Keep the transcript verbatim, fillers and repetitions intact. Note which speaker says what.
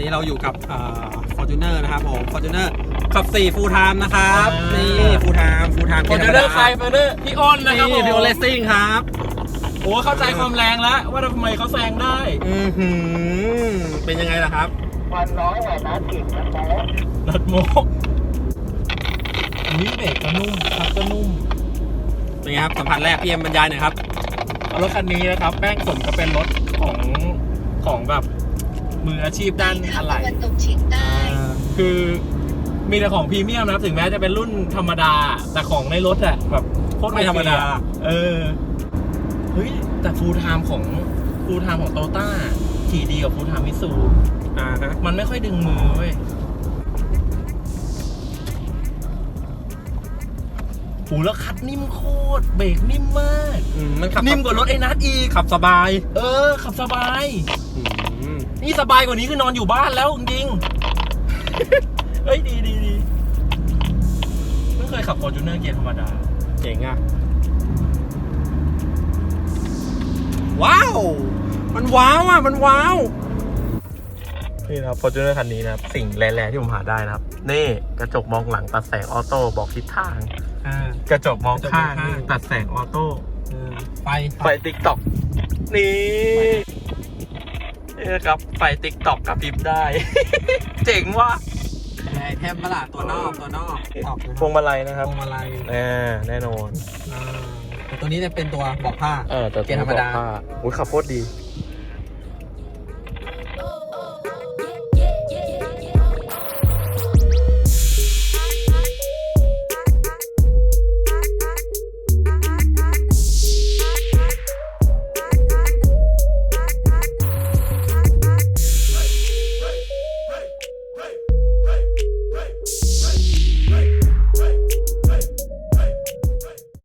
Speaker 1: เราอยู่กับเอ่อ Fortuner นะครับผม Fortuner ขับสี่ Full Time นะครับนี่ Full Time Full Time
Speaker 2: คนจะเลือกใครไปเลือกพี่อ้นนะครับผม
Speaker 1: พี่โอเลสซิ่งครับ
Speaker 2: โอ้เข้าใจความแรงแล้วว่าทำไมเขาแซงได้
Speaker 1: อือหือเป็นยังไงล่ะครับ
Speaker 3: มันน้อยกว่านัดกินนะโม
Speaker 2: รถโมกนี่เบรกก็นุ่มขับก็นุ่ม
Speaker 1: เป็นไงครับสัมผัสแรกพี่เอ็มบรรยายหน่อยครับ
Speaker 2: รถคันนี้นะครับแม่งสมก็เป็นรถของของแบบมืออาชีพด้านอะไหล่
Speaker 4: ตะวันตกเฉียงใต้
Speaker 2: คือมีแต่ของพรีเมียมนะถึงแม้จะเป็นรุ่นธรรมดาแต่ของในรถอะแบบโคตร
Speaker 1: ไม่ธรรมดา
Speaker 2: เออเฮ้ยแต่ฟูลไทม์ของฟูลไทม์ของโตต้าขี่ดีกว่าฟูลไทม์มิตซู
Speaker 1: อ่าฮะ
Speaker 2: มันไม่ค่อยดึงมือเว้ยโหแล้วคัดนิ่มโคตรเบรกนิ่มมาก
Speaker 1: อืมมันขับ
Speaker 2: นิ่มกว่ารถไอ้นัทอีก
Speaker 1: ขับสบาย
Speaker 2: เออขับสบาย
Speaker 1: อืม
Speaker 2: นี่สบายกว่านี้คือนอนอยู่บ้านแล้วจริงๆ เฮ้ยดีดีดีไม่เคยขับ Fortuner เกียร์ธรรมดา
Speaker 1: เจ๋งอ่ะว้าวมันว้าวอ่ะมันว้าว
Speaker 2: นี่นะครับ Fortuner คันนี้นะครับสิ่งแร่ๆที่ผมหาได้นะครับนี่กระจกมองหลังตัดแสงออโต้บอกทิศทาง
Speaker 1: อ่าก
Speaker 2: ระจกมองข้าง
Speaker 1: กระจกมองข้าง
Speaker 2: นี่ตัดแสงออโต้
Speaker 1: เออไฟ
Speaker 2: ไฟติ๊กต็อกนี่นี่นะครับไฟติ๊กต็อกกับพริบได้ เจ๋งว่ะ
Speaker 1: ไอเทมปะล่ะตัวนอกตัวนอกตอกนะ
Speaker 2: พวงมาลัยนะครับ
Speaker 1: พวงมาลัย
Speaker 2: แน่แน่นอน
Speaker 1: อ่าแต่ตัวนี้จะเป็นตัวบอกผ้า
Speaker 2: เออแต่
Speaker 1: เกียร์ธรรมดา
Speaker 2: อุ้ยขับโคตรดี